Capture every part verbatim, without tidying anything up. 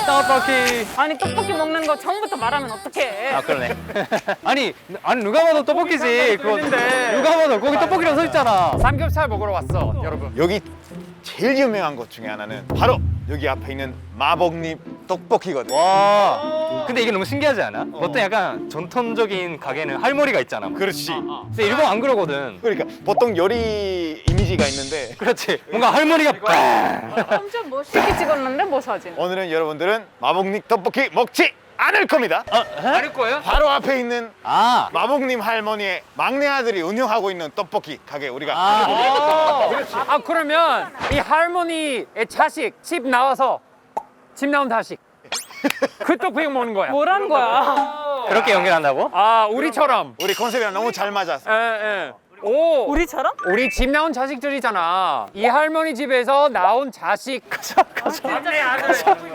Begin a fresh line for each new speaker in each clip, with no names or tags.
떡볶이.
아니 떡볶이 먹는 거 처음부터 말하면 어떡해.
아 그러네. 아니 아니 누가 봐도 떡볶이지. 그거 누가 봐도 거기 떡볶이라고 써 있잖아. 삼겹살 먹으러 왔어, 여러분.
여기 제일 유명한 것 중에 하나는 바로 여기 앞에 있는 마법님 떡볶이거든.
와. 근데 이게 너무 신기하지 않아? 어. 어떤 약간 전통적인 가게는 할머니가 있잖아.
그렇지.
근데 일본 안 그러거든.
그러니까 보통 요리 이미지가 있는데
그렇지. 뭔가 할머니가 빵.
엄청 멋있게 찍었는데 뭐 사진.
오늘은 여러분들은 마법님 떡볶이 먹지 않을 겁니다.
아닐 거예요?
바로 앞에 있는
아.
마법님 할머니의 막내 아들이 운영하고 있는 떡볶이 가게 우리가
아.
아 그러면 이 할머니의 자식 집 나와서 집 나온 자식 그 떡볶이 먹는 거야.
뭐란 거야?
그렇게 연결한다고?
아 우리처럼.
우리 컨셉이랑 너무 잘 맞았어.
에, 에. 오.
우리처럼?
우리 집 나온 자식들이잖아. 이 할머니 집에서 나온 자식. 가자 가자. 막내 아들.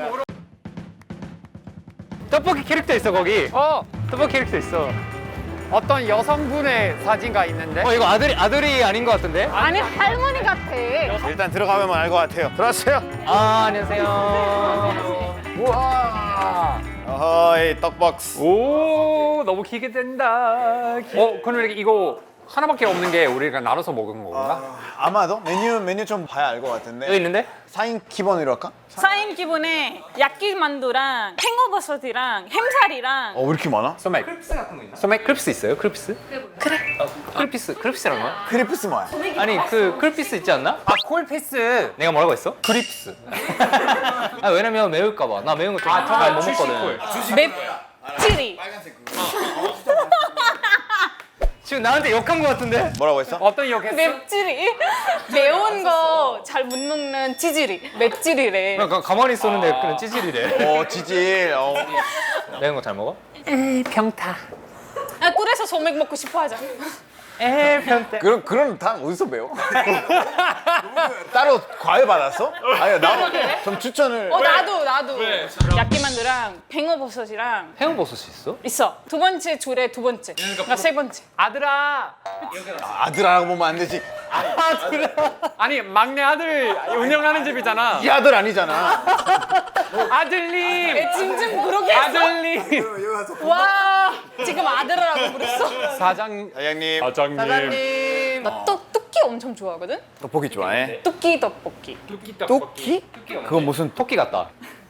떡볶이 캐릭터 있어 거기.
어
떡볶이 캐릭터 있어.
어떤 여성분의 사진가 있는데.
어 이거 아들이 아들이 아닌 것 같은데?
아니 할머니 같아.
일단 들어가면 알 것 같아요. 들어왔어요.
아 안녕하세요.
우와.
어이 떡볶스.
오 너무 기대된다. 어 그럼 이거 하나밖에 없는 게 우리가 나눠서 먹은 건가?
아마도 메뉴 메뉴 좀 봐야 알 것 같은데.
여기 있는데?
사 인 기본으로 할까?
사인 기분에 야끼만두랑 팽어버섯이랑 햄살이랑
어 왜 이렇게 많아?
소맥.
크립스 같은 거 있나?
소맥 크립스 있어요? 크립스?
그래.
크립스 크립스라는 거야?
크리프스 뭐야?
아니 그 크립스 있지 않나?
아 콜피스.
내가 뭐라고 했어?
크립스.
아 왜냐면 매울까 봐. 나 매운 거 좀
아,
잘 못
주식콜.
먹거든.
맵찔이.
지금 나한테 욕한 거 같은데?
뭐라고 했어?
어떤 역했어?
맵찔이. 매운 거 잘 못 먹는 찌질이. 맵찔이래.
그냥 가만히 있었는데 그냥 찌질이래.
어 지질. 어.
매운 거 잘 먹어?
에이 평타.
아, 그래서 소맥 먹고 싶어 하잖아.
에이 평타.
그런 그런 다 어디서 배워? 따로 과외 받았어? 아니 나좀 추천을.
어 나도 나도. 야끼만두랑 팽어버섯이랑
해운버섯이 있어?
있어. 두 번째 줄에 두 번째. 그러니까 세 번째.
아들아.
아들하고 보면 안 되지.
아니 막내 아들 운영하는 집이잖아.
이 아들 아니잖아.
아들님.
애 찜찜 그렇게 했어?
아들님.
와 지금 아들이라고 부르어.
사장.
사장님
사장님.
나 떡, 뚜끼 엄청 좋아하거든?
떡볶이 좋아해?
뚜끼 떡볶이.
떡볶이? 그건 무슨
토끼 같다.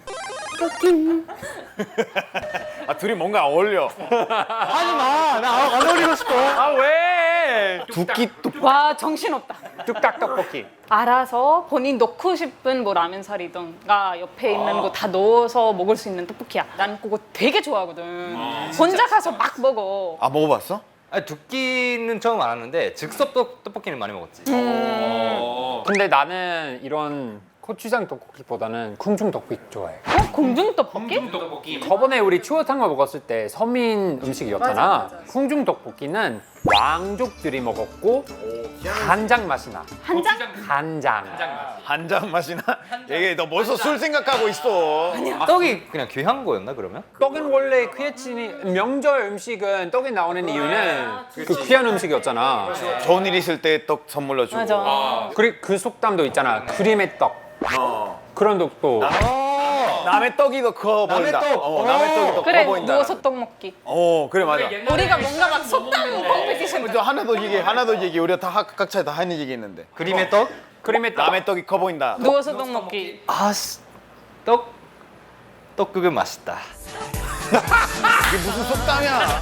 아 둘이 뭔가 어울려.
하지 마. 나 안 어울리고 싶어.
아 왜?
두끼 떡.
와 정신없다.
뚝딱 떡볶이.
알아서 본인 넣고 싶은 뭐 라면살이던가 옆에 있는 거 다 넣어서 먹을 수 있는 떡볶이야. 난 그거 되게 좋아하거든. 혼자 가서 막 먹어.
아 먹어봤어?
아니 두끼는 처음 알았는데 즉석 떡, 떡볶이는 많이 먹었지.
근데 나는 이런 고추장 떡볶이보다는 궁중 떡볶이 좋아해.
어? 공중 떡볶이?
저번에 우리 추어탕을 먹었을 때 서민 음식이었잖아. 궁중 떡볶이는 왕족들이 먹었고 간장 맛이 나.
한 장?
간장.
한 잔 맛이나? 얘 너 벌써 술 생각하고 있어.
떡이 그냥 귀한 거였나 그러면?
떡은 원래 귀했지. 명절 음식은 떡이 나오는 이유는 그 귀한 음식이었잖아.
좋은 일 있을 때 떡 선물로 주고.
맞아.
그리고 그 속담도 있잖아. 크림의 떡. 그런 떡도.
남의 떡이 더 커
남의
보인다.
떡.
어, 남의 떡이 더
그래
커 보인다.
누워서 떡 먹기.
어 그래 맞아.
우리가 뭔가 막 속담 컴페티션.
저 하나 더 얘기 하나 더 얘기 우리가 다 각- 각자 다 하는 얘기 있는데.
그림의 떡?
크림의 떡.
남의 떡이 커 보인다.
누워서 떡 먹기.
아씨 떡 떡국은 맛있다.
이게 무슨 속담이야?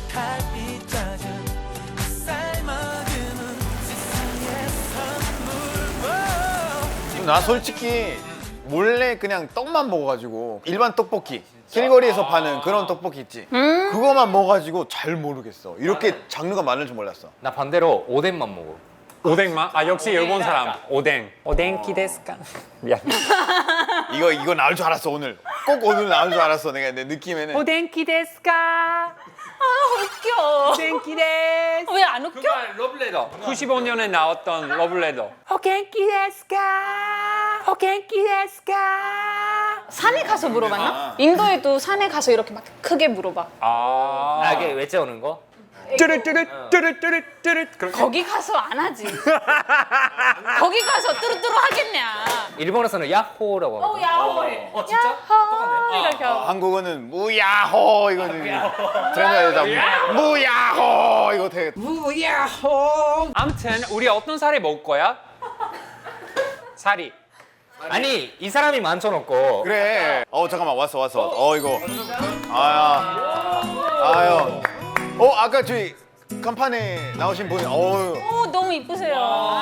나 솔직히 몰래 그냥 떡만 먹어가지고 일반 떡볶이 길거리에서 파는 그런 떡볶이 있지. 그거만 먹어가지고 잘 모르겠어. 이렇게 장르가 많을 줄 몰랐어.
나 반대로 오뎅만 먹어.
오뎅만? 아 역시 일본 사람. 오뎅. 오뎅키 데스까? 미안.
이거 이거 나올 줄 알았어 오늘. 꼭 오늘 나올 줄 알았어 내가 내 느낌에는.
오뎅키 데스까?
아 웃겨.
오뎅키 데스.
왜 안 웃겨?
러블레더. 구십오 년에 나왔던 러블레더. 오겐키 데스까? 오겐키 데스까?
산에 가서 물어봤나? 인도에도 산에 가서 이렇게 막 크게 물어봐.
아.
아 이게 외쳐오는 거?
뚜르뚜르뚜르뚜르뚜르 그렇게.
거기 가서 안 하지. 거기 가서 뚜루뚜루 하겠냐.
일본에서는 야호라고
어,
하거든.
야호해.
어, 진짜?
야호 이렇게 하고.
한국어는 무야호 이거는 트렌드에다 무야호 이거 되게
아무튼 우리 어떤 사리 먹을 거야? 사리.
아니 이 사람이 만져놓고
그래. 어 잠깐만 왔어 왔어. 어 이거 아야 아유. 어 아까 저희 간판에 나오신 분. 어유.
오, 너무 이쁘세요.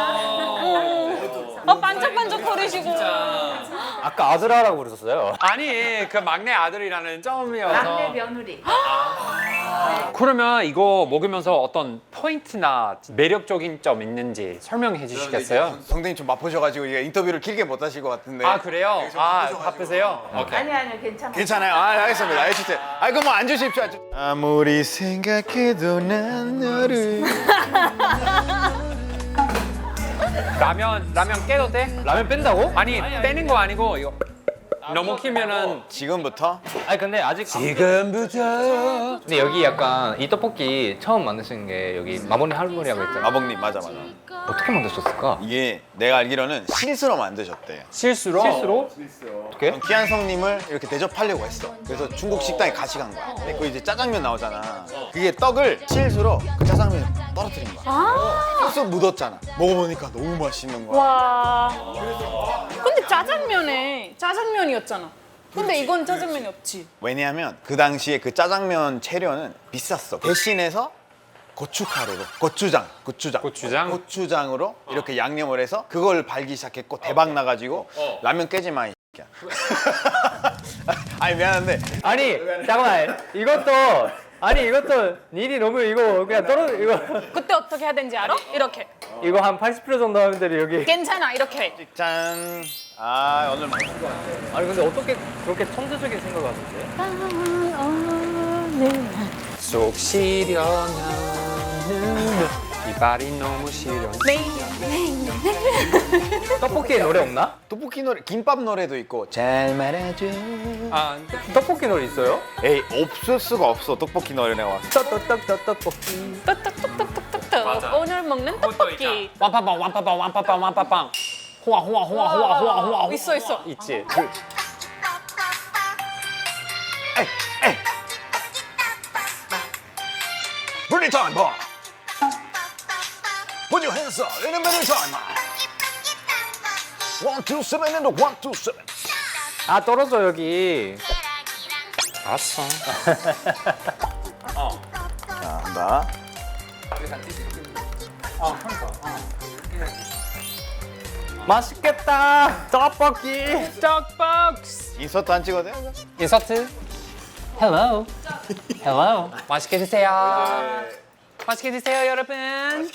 어, 반짝반짝 거리시고.
아까 아들아라고 그러셨어요.
아니 그 막내 아들이라는 점이어서.
막내 며느리.
그러면 이거 먹으면서 어떤 포인트나 매력적인 점 있는지 설명해 주시겠어요?
성대님 좀 바쁘셔가지고 이게 인터뷰를 길게 못 하실 것 같은데.
아 그래요? 아 바쁘세요? 오케이.
아니 아니 괜찮아.
괜찮아요. 아 알겠습니다. 해주세요. 아 그럼 뭐 앉으십시오. 앉으- 아무리 생각해도 난 너를.
라면 라면 깨도 돼?
라면 뺀다고?
아니 빼는 거 아니고 이거 너무 키면은
지금부터
아니 근데 아직
지금부터
근데 여기 약간 이 떡볶이 처음 만드신 게 여기 마모니 할머니라고 했잖아.
아버님 맞아 맞아.
어떻게 만드셨을까?
이게 내가 알기로는 실수로 만드셨대.
실수로
실수로? 어떻게?
기한성님을 이렇게 대접하려고 했어. 그래서 중국 식당에 같이 간 거야. 근데 그 이제 짜장면 나오잖아. 그게 떡을 실수로 그 짜장면에 떨어뜨린 거야.
아,
소스 묻었잖아. 먹어보니까 너무 맛있는 거야.
와. 근데 짜장면에 짜장면이었잖아. 근데 이건 짜장면이 없지.
왜냐하면 그 당시에 그 짜장면 재료는 비쌌어. 대신해서 고춧가루로 고추장, 고추장,
고추장?
고추장으로 이렇게 양념을 해서 그걸 팔기 시작했고 대박 나가지고 라면 깨지 마 이 새끼야. 아니 미안한데
아니 잠깐만 이것도 아니 이것도 일이 너무 이거 그냥 떨어 이거
그때 어떻게 해야 되는지 알아? 이렇게.
이거 한 팔십 퍼센트 정도 하면 돼 여기.
괜찮아, 이렇게 해.
짠. 아 오늘 맛있을 것 같아.
아니 근데 어떻게 그렇게 천재적인 생각을 하셨지?
속 시려나는 이발이 너무 시려.
떡볶이에 노래 없나?
떡볶이 노래, 김밥 노래도 있고 잘 말아줘.
아
떡볶이 노래 있어요?
에이 없을 수가 없어 떡볶이 노래 내가.
떡떡떡떡 떡볶이.
떡떡떡떡떡떡. 오늘 먹는 떡볶이.
완파빵 완파빵 완파빵 완파빵 호아 호아 호아 호아 호아 호아 호아.
있어, 있어.
있지.
Bring it on, boy. Put your hands up in a minute time. One, two, seven, and a one, two, seven.
아 떨어져 여기.
알았어.
자, 한다.
맛있겠다. 떡볶이.
떡볶스.
인서트 안 찍어도 돼?
인서트.
Hello. Hello.
맛있게 드세요. 맛있게 드세요 여러분.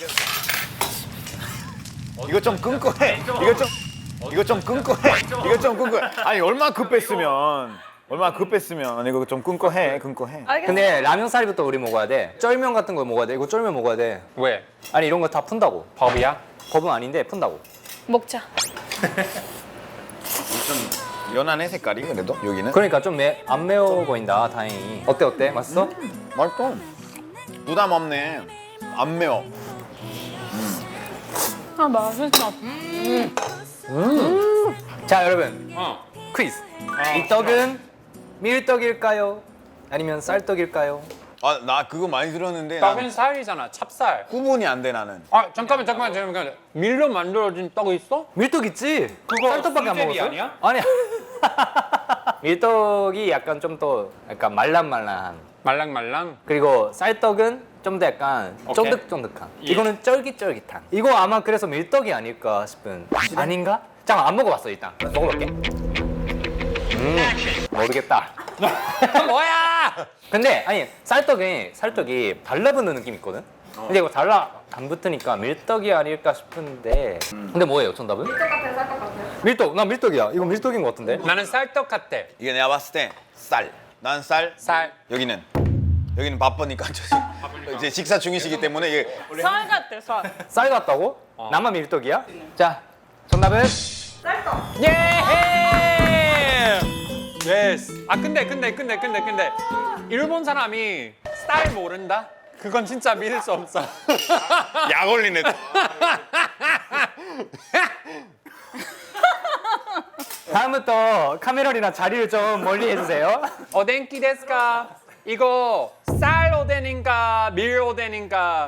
이거 좀 끊고 해. 이거 좀 이거 좀 끊고 해. 이거 좀 끊고 해. 아니 얼마나 급했으면 얼마나 급했으면 이거 좀 끊고 해. 끊고 해.
알겠어.
근데 라면 사리부터 우리 먹어야 돼. 쫄면 같은 거 먹어야 돼. 이거 쫄면 먹어야 돼.
왜?
아니 이런 거 다 푼다고.
법이야?
법은 아닌데 푼다고.
먹자.
연하네 색깔이 그래도 여기는.
그러니까 좀 안 매워 보인다. 다행히. 어때 어때? 맛있어?
맛있어. 부담 없네. 안 매워.
아, 맛있다.
자 여러분
어.
퀴즈. 이 떡은 밀떡일까요? 아니면 쌀떡일까요?
아 나 그거 많이 들었는데 난
떡은 쌀이잖아. 찹쌀.
구분이 안 돼 나는.
아 잠깐만 잠깐만 잠깐만. 밀로 만들어진 떡이 있어?
밀떡 있지?
그거
쌀떡밖에 안
수제비
먹었어?
아니야?
아니야. 밀떡이 약간 좀 더 약간 말랑말랑한.
말랑말랑.
그리고 쌀떡은 좀 더 약간
오케이.
쫀득쫀득한.
예.
이거는 쫄깃쫄깃한. 이거 아마 그래서 밀떡이 아닐까 싶은. 아닌가? 잠깐 안 먹어봤어 일단. 먹어볼게. 음 모르겠다.
뭐야?
근데 아니 쌀떡이 쌀떡이 달라붙는 느낌 이 있거든. 근데 이거 달라 안 붙으니까 밀떡이 아닐까 싶은데. 근데 뭐예요 정답은? 밀떡 같아요, 쌀떡 같아요. 밀떡, 나 밀떡이야. 이거 밀떡인 것 같은데.
나는 쌀떡 같아.
이게 내가 봤을 때 쌀. 난 쌀.
쌀.
여기는 여기는 바쁘니까 저 이제 식사 중이시기 때문에 이게
쌀 같아, 쌀.
쌀 같다고? 나만 밀떡이야? 자 정답은
예! 예스. 아 근데 근데 근데 근데 근데 일본 사람이 쌀 모른다? 그 그건 진짜 믿을 수 없어.
약 올리네.
다음부터 카메라랑 자리를 좀 멀리 해주세요.
오뎅기 데스까? 이거 쌀 오뎅인가 밀 오뎅인가?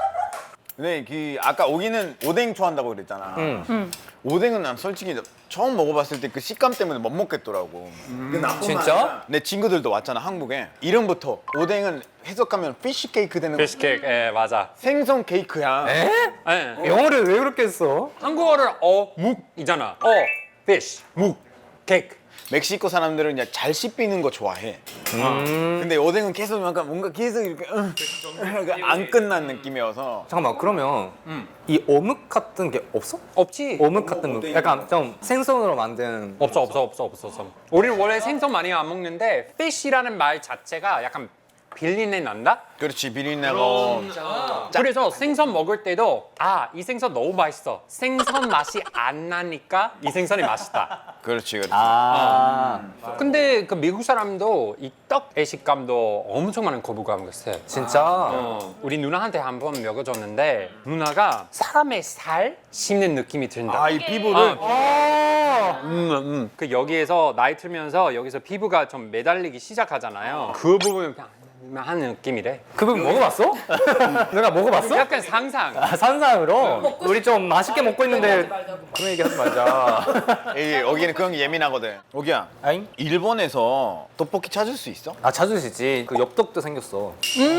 근데 그 아까 오기는 오뎅 좋아한다고 그랬잖아.
응.
오뎅은 난 솔직히 처음 먹어봤을 때 그 식감 때문에 못 먹겠더라고.
진짜?
내 친구들도 왔잖아 한국에. 이름부터 오뎅은 해석하면 피쉬 케이크 되는 거.
피쉬 케이크, 예 맞아.
생선 케이크야.
에?
예.
영어를 왜 그렇게 했어?
한국어를 어묵이잖아. 어, fish, 묵, 케이크.
멕시코 사람들은 그냥 잘 씹히는 거 좋아해.
음.
근데 오뎅은 계속 약간 뭔가 계속 이렇게 응, 응, 안 끝난 느낌이어서.
잠깐만 그러면 이 어묵 같은 게 없어?
없지.
어묵 같은 거 약간 좀 생선으로 만든
없어 없어 없어 없어 없어. 우리는 원래 생선 많이 안 먹는데 fish라는 말 자체가 약간 비린내 난다?
그렇지 비린내고.
그래서 생선 먹을 때도 아 이 생선 너무 맛있어. 생선 맛이 안 나니까 이 생선이 맛있다.
그렇지 그렇지.
아
근데 그 미국 사람도 이 떡의 식감도 엄청 많은 거부감을 했어요.
진짜?
어, 우리 누나한테 한 번 먹여줬는데 누나가 사람의 살 씹는 느낌이 든다.
아 이 피부를.
아
음, 음. 그 여기에서 나이 들면서 여기서 피부가 좀 매달리기 시작하잖아요. 그 부분 그냥 하는 느낌이래.
그 부분 먹어봤어? 내가 먹어봤어?
약간 상상.
아, 산상으로? 우리 좀 맛있게 먹고 있는데 그런 얘기 하지 말자.
이 여기는 그런 게 예민하거든. 오기야.
아잉?
일본에서 떡볶이 찾을 수 있어?
아 찾으시지. 그 엽떡도 생겼어.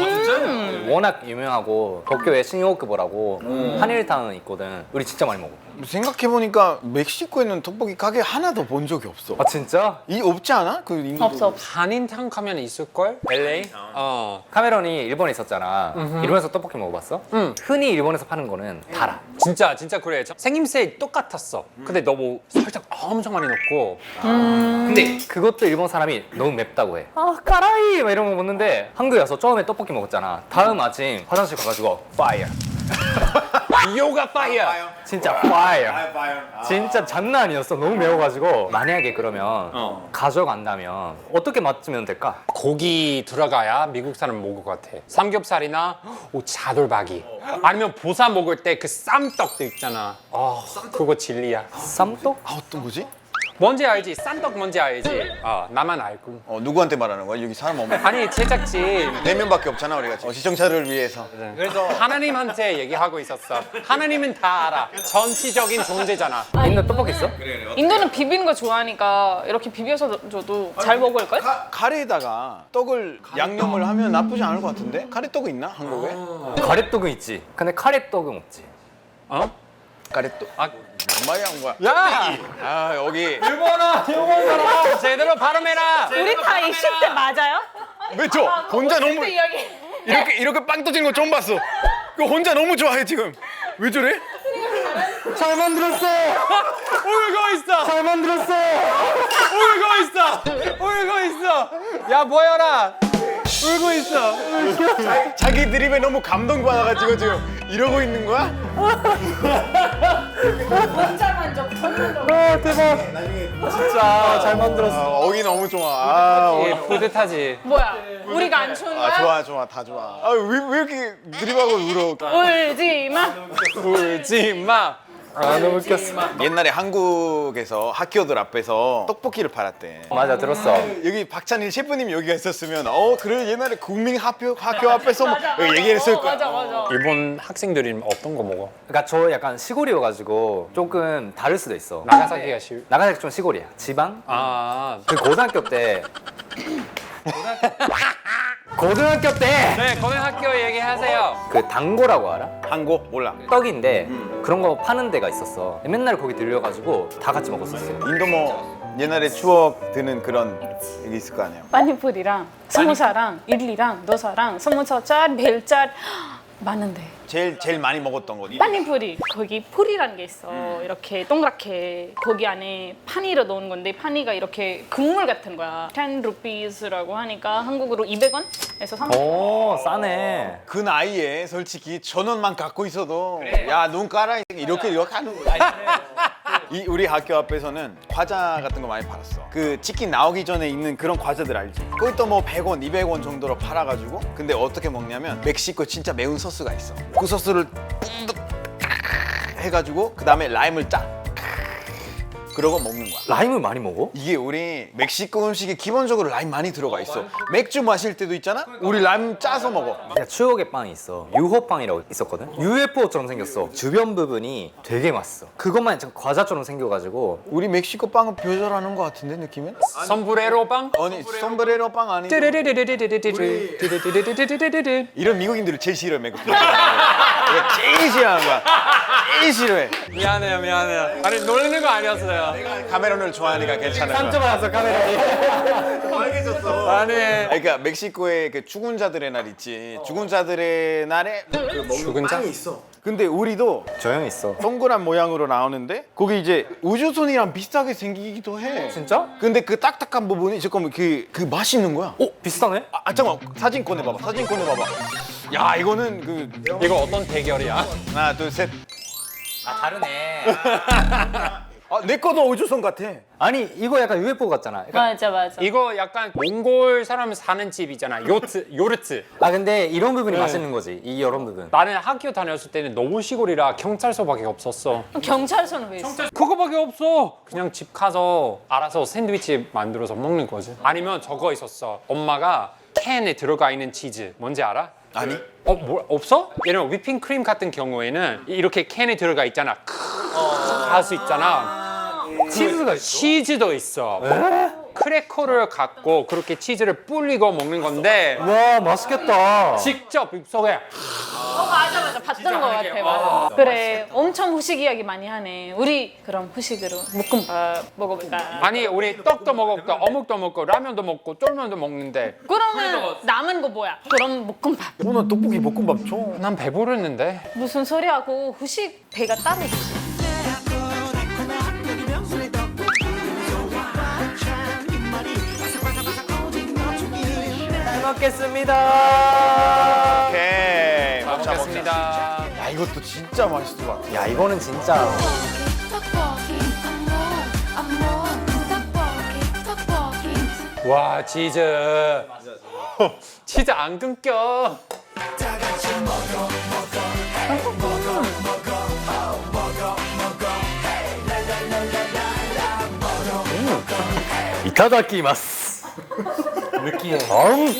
진짜? 워낙 유명하고 도쿄에 신요쿠보라고 한일타운 있거든. 우리 진짜 많이 먹어.
생각해 보니까 멕시코에 있는 떡볶이 가게 하나도 본 적이 없어.
아 진짜?
이 없지 않아? 그 인도.
없어 없어.
한인탕 가면 있을걸? 엘에이? 어.
카메론이 일본에 있었잖아. 일본에서 떡볶이 먹어봤어?
응.
흔히 일본에서 파는 거는 달아.
진짜 진짜 그래. 저- 생김새 똑같았어. 근데 너무 살짝 엄청 많이 넣고.
근데 그것도 일본 사람이 너무 맵다고 해. 아 까라이 막 이런 거 먹는데 한국에 와서 처음에 떡볶이 먹었잖아. 다음 아침 화장실 가가지고 파이어.
요가 파이어.
진짜 파이어. 진짜 장난 아니었어. 너무 매워가지고. 만약에 그러면
어.
가져간다면 어떻게 맞추면 될까?
고기 들어가야 미국 사람 먹을 것 같아. 삼겹살이나 오, 차돌박이. 아니면 보사 먹을 때 그 쌈떡도 있잖아. 아, 그거 진리야.
쌈떡?
아 어떤 거지?
뭔지 알지? 쌈떡 뭔지 알지? 아, 나만 알고.
어 누구한테 말하는 거야? 여기 사람 없는.
아니 제작진.
네 명밖에 없잖아 우리가. 어, 시청자를 위해서.
그래서 하나님한테 얘기하고 있었어. 하나님은 다 알아. 전치적인 존재잖아.
있는 떡볶이 있어?
인도는 비비는 거 좋아하니까 이렇게 비벼서 줘도 잘 먹을 걸?
카, 카레에다가 떡을 양념을 하면 나쁘지 않을 것 같은데? 카레떡은 있나 한국에?
가래떡은 있지. 근데 카레떡은 없지.
어?
카레떡?
아,
뭔 말이야 한 거야?
야!
아 여기
일본어, 일본어라. 제대로 발음해라.
우리 다 이십 대 맞아요?
왜 저? 혼자 너무
오십 대 이야기.
이렇게 이렇게 빵 터진 거 처음 봤어. 그 혼자 너무 좋아해 지금. 왜 저래?
잘 만들었어!
울고 있어.
잘 만들었어!
울고 있어. 울고 있어. 야 보여라. 울고 있어.
자기 드립에 너무 감동받아가지고 지금 이러고 있는 거야?
혼자 만족, 혼자
아 대박! 진짜 잘 만들었어.
아, 어기 너무 좋아. 아,
예,
어기.
뿌듯하지.
뭐야? 우리가 안 추운 거야?
아 좋아 좋아 다 좋아. 아왜 왜 이렇게 드립하고 울어?
울지 마.
울지 마.
아 너무 웃겼어.
옛날에 한국에서 학교들 앞에서 떡볶이를 팔았대.
맞아 들었어.
여기 박찬일 셰프님 여기가 있었으면 어 그래 옛날에 국민 학교 학교 앞에서 뭐 여기 얘기했을
어,
거야.
맞아 맞아.
일본 학생들이 어떤 거 먹어?
그러니까 저 약간 시골이어가지고 조금 다를 수도 있어.
나가사키가 시.
나가사키 좀 시골이야. 지방?
아.
그 고등학교 때 고등학교 때
네, 고등학교 얘기하세요.
그 단고라고 알아?
한국 몰라.
떡인데 그런 거 파는 데가 있었어. 맨날 거기 들려가지고 다 같이 먹었었어요.
인도 뭐 옛날에 추억 드는 그런 게 있을 거 아니야.
빠니푸리랑 스무사랑 일리랑 노사랑 스무서짤 벨짤 많은데.
제일 제일 많이 먹었던 거.
빠니푸리 거기 풀이라는 게 있어. 이렇게 동그랗게 거기 안에 파니를 넣은 건데 파니가 이렇게 국물 같은 거야. 텐 루피스라고 하니까 한국으로 이백 원에서 삼백 원.
오 싸네.
그 나이에 솔직히 천 원만 갖고 있어도 야 눈 깔아 이렇게 이렇게 하는 거야. 이 우리 학교 앞에서는 과자 같은 거 많이 팔았어. 그 치킨 나오기 전에 있는 그런 과자들 알지? 그것도 뭐 백 원, 이백 원 정도로 팔아가지고 근데 어떻게 먹냐면 멕시코 진짜 매운 소스가 있어. 그 소스를 뿡득 해가지고 그 다음에 라임을 짜. 그러고 먹는 거야.
라임을 많이 먹어?
이게 우리 멕시코 음식에 기본적으로 라임 많이 들어가 있어. 맥주 마실 때도 있잖아? 우리 라임 짜서 먹어.
야, 추억의 빵이 있어. 유호빵이라고 있었거든? 유에프오처럼 생겼어. 주변 부분이 되게 맛있어. 그것만 좀 과자처럼 생겨가지고
우리 멕시코 빵은 표절하는 거 같은데 느낌은?
선브레로 빵?
아니 솜브레로 빵 아니? 이런 미국인들을 제일 싫어해 멕시코. 내가 제일 싫어하는 거야. 제일 싫어해.
미안해요 미안해요. 아니 놀리는 거 아니었어요.
카메론을 좋아하니까 괜찮은 거야.
알았어 카메라에.
아니
그러니까 멕시코에 그 죽은 자들의 날 있지. 죽은 자들의 날에
죽은 자?
있어. 근데 우리도
조용히 있어.
동그란 모양으로 나오는데 거기 이제 우주선이랑 비슷하게 생기기도 해.
진짜?
근데 그 딱딱한 부분이 잠깐만 그, 그 맛있는 거야.
오 비슷하네?
아, 아 잠깐만 사진 꺼내봐봐. 사진 꺼내봐봐. 야 이거는 그
이거 어떤 대결이야?
하나 둘 셋.
아 다르네.
아, 내 거도 우주선 같아.
아니 이거 약간 유에프오 같잖아. 약간-
맞아 맞아.
이거 약간 몽골 사람 사는 집이잖아. 요트 요르트.
아 근데 이런 부분이 맛있는 거지. 이 이런 부분.
나는 학교 다녔을 때는 너무 시골이라 경찰서밖에 없었어.
경찰서는 왜 있어?
그거밖에 없어. 그냥 집 가서 알아서 샌드위치 만들어서 먹는 거지. 아니면 저거 있었어. 엄마가 캔에 들어가 있는 치즈. 뭔지 알아?
아니?
어, 뭐 없어? 예를 들면 위핑크림 같은 경우에는 이렇게 캔에 들어가 있잖아. 할 수 있잖아.
치즈가 있어?
치즈도 있어. 크래커를 갖고 그렇게 치즈를 불리고 먹는 건데
와 맛있겠다.
직접 입속에
어 맞아 맞아 봤던 것 같아. 맞아. 그래 엄청 후식 이야기 많이 하네. 우리 그럼 후식으로 볶음밥 먹어볼까?
아니 우리 떡도 먹었고 어묵도 먹고 라면도 먹고 쫄면도 먹는데
그러면 남은 거 뭐야? 그럼 볶음밥.
오늘 떡볶이 볶음밥 줘.
난 배부르는데.
무슨 소리하고 후식 배가 따로 있지.
잘 먹겠습니다.
오케이.
잘
먹자,
먹겠습니다.
먹자. 야 이것도 진짜 맛있을 것 같아.
야 이거는 진짜.
와 치즈. 치즈 안 끊겨.
이타다키마스. 느끼해. 음.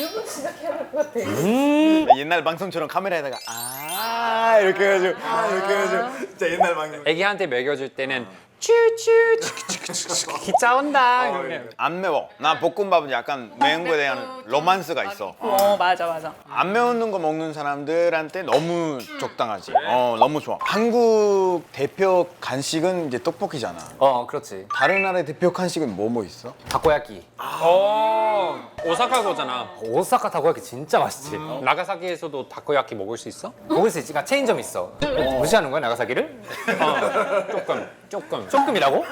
옛날 방송처럼 카메라에다가 아 이렇게 해가지고 아, 이렇게 해가지고 진짜 옛날 방송.
애기한테 먹여줄 때는 쭈쭈 치키치키치키 짜온다. 이렇게.
안 매워. 나 볶음밥은 약간 매운 거에 대한 로만스가 있어.
어 맞아 맞아.
안 매운 거 먹는 사람들한테 너무 적당하지. 어 너무 좋아. 한국 대표 간식은 이제 떡볶이잖아.
어 그렇지.
다른 나라의 대표 간식은 뭐 뭐 있어?
타코야키.
어 오사카 거잖아.
오사카 타코야키 진짜 맛있지.
나가사키에서도 다코야키 먹을 수 있어?
먹을 수 있지. 그러니까 체인점 있어. 무시하는 거야 나가사키를?
어, 조금 조금.
조금이라고?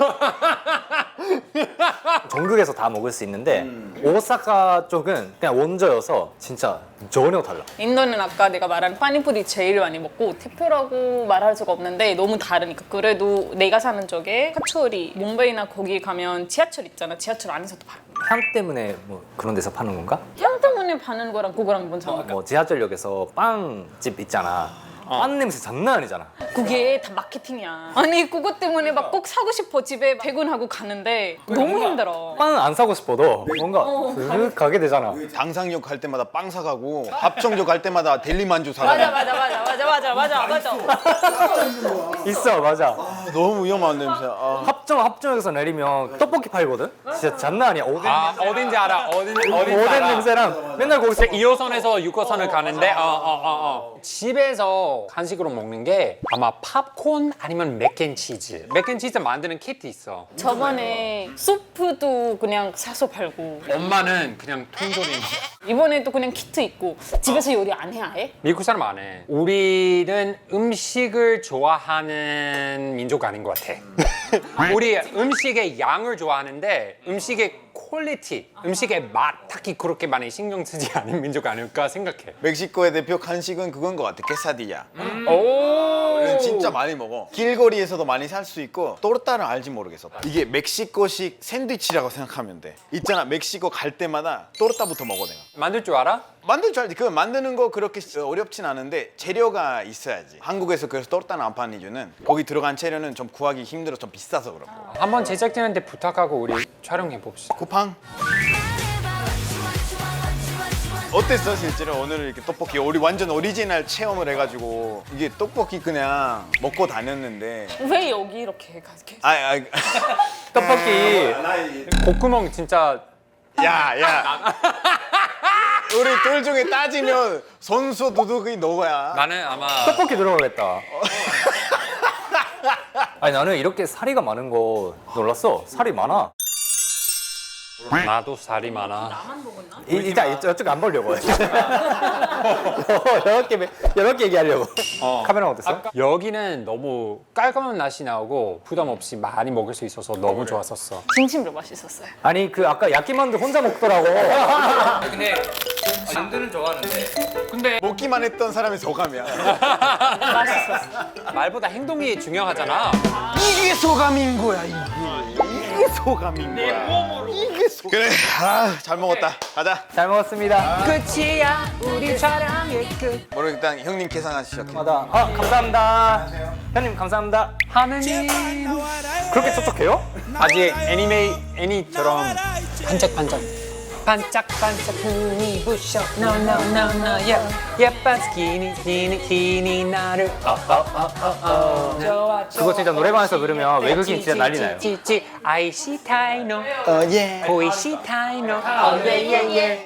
전국에서 다 먹을 수 있는데 오사카 쪽은 그냥 원조여서 진짜 전혀 달라.
인도는 아까 내가 말한 파니푸리 제일 많이 먹고 대표라고 말할 수가 없는데 너무 다르니까. 그래도 내가 사는 쪽에 카츠오리 몽베이나 거기 가면 지하철 있잖아. 지하철 안에서도 팔아.
향 때문에 뭐 그런 데서 파는 건가?
향 때문에 파는 거랑 그거랑 뭔 상관이야?
뭐 지하철역에서 빵집 있잖아. 빵 냄새 장난 아니잖아.
그게 다 마케팅이야. 아니 그것 때문에 막 꼭 사고 싶어. 집에 퇴근하고 가는데 너무 힘들어.
빵은 안 사고 싶어도 뭔가 슥 가게 되잖아.
당상역 갈 때마다 빵 사가고 합정역 갈 때마다 델리만주
맞아
사가고.
맞아 맞아 맞아 맞아 맞아 맞아.
있어 맞아.
아, 너무 위험한 냄새야. 아.
합정 합정역에서 내리면 떡볶이 팔거든. 진짜 장난 아니야. 오뎅
아 어딘지 알아. 어딘 어딘지
오뎅
알아.
냄새랑 맨날 거기서
이 호선에서 육 호선을 가는데 어, 어, 어, 어. 집에서 간식으로 먹는 게 아마 팝콘 아니면 맥앤치즈. 맥앤치즈 만드는 키트 있어.
저번에 소프도 그냥 사서 팔고
엄마는 그냥 통조림.
이번에도 그냥 키트 있고. 집에서 요리 안 해 아예?
미국 사람 안 해. 우리는 음식을 좋아하는 민족 아닌 것 같아. 우리 음식의 양을 좋아하는데 음식의 퀄리티, 음식의 맛 딱히 그렇게 많이 신경 쓰지 않은 민족 아닐까 생각해.
멕시코의 대표 간식은 그건 것 같아. 케사디야.
오,
이건 진짜 많이 먹어. 길거리에서도 많이 살 수 있고 또르타는 알지 모르겠어. 이게 멕시코식 샌드위치라고 생각하면 돼. 있잖아 멕시코 갈 때마다 또르타부터 먹어 내가.
만들 줄 알아?
만들 줄 알지. 그 만드는 거 그렇게 어렵진 않은데 재료가 있어야지. 한국에서 그래서 또르타는 안 파는 이유는 거기 들어간 재료는 좀 구하기 힘들어 좀 비싸서 그렇고.
한번 제작진한테 부탁하고 우리 촬영해 봅시다.
쿠팡. 어땠어 실제로 오늘 이렇게 떡볶이 우리 완전 오리지널 체험을 해가지고 이게 떡볶이 그냥 먹고 다녔는데
왜 여기 이렇게 가게?
아, 아,
떡볶이
콧구멍 진짜
야, 야. 우리 둘 중에 따지면 선수 두둑이 너야.
나는 아마
떡볶이 들어가겠다. 아니 나는 이렇게 살이가 많은 거 놀랐어. 살이 많아.
나도 살이 많아.
이- 일단 이쪽 안 보려고. 여러 개 여러 개 얘기하려고. 카메라 어땠어?
아까 여기는 너무 깔끔한 맛이 나오고 부담 없이 많이 먹을 수 있어서 너무 좋았었어.
진심으로 맛있었어요.
아니 그 아까 야끼만두 혼자 먹더라고.
근데 만두는 좋아하는데
근데
먹기만 했던 사람이 소감이야.
맛있었어.
말보다 행동이 중요하잖아.
이게 소감인 거야, 이게. 이게 소감인 거야. 이게 소 그래, 아, 잘 먹었다. 가자.
잘 먹었습니다.
끝이야 우리 촬영의 끝.
뭐로 일단 형님 계산하시죠.
맞아. 아 감사합니다. 형님 감사합니다.
하느님
그렇게 촉촉해요?
아직 애니메이 애니처럼 반짝반짝 반짝반짝 눈이 부셔 No no no no yeah 예쁜 스키니 스키니 스키니 나를 어어어어어 좋아
그거 진짜 노래방에서 부르면 외국인 진짜 난리 나요.
찌찌찌 아이시타이노
어, 예.
보이시타이노 어예예예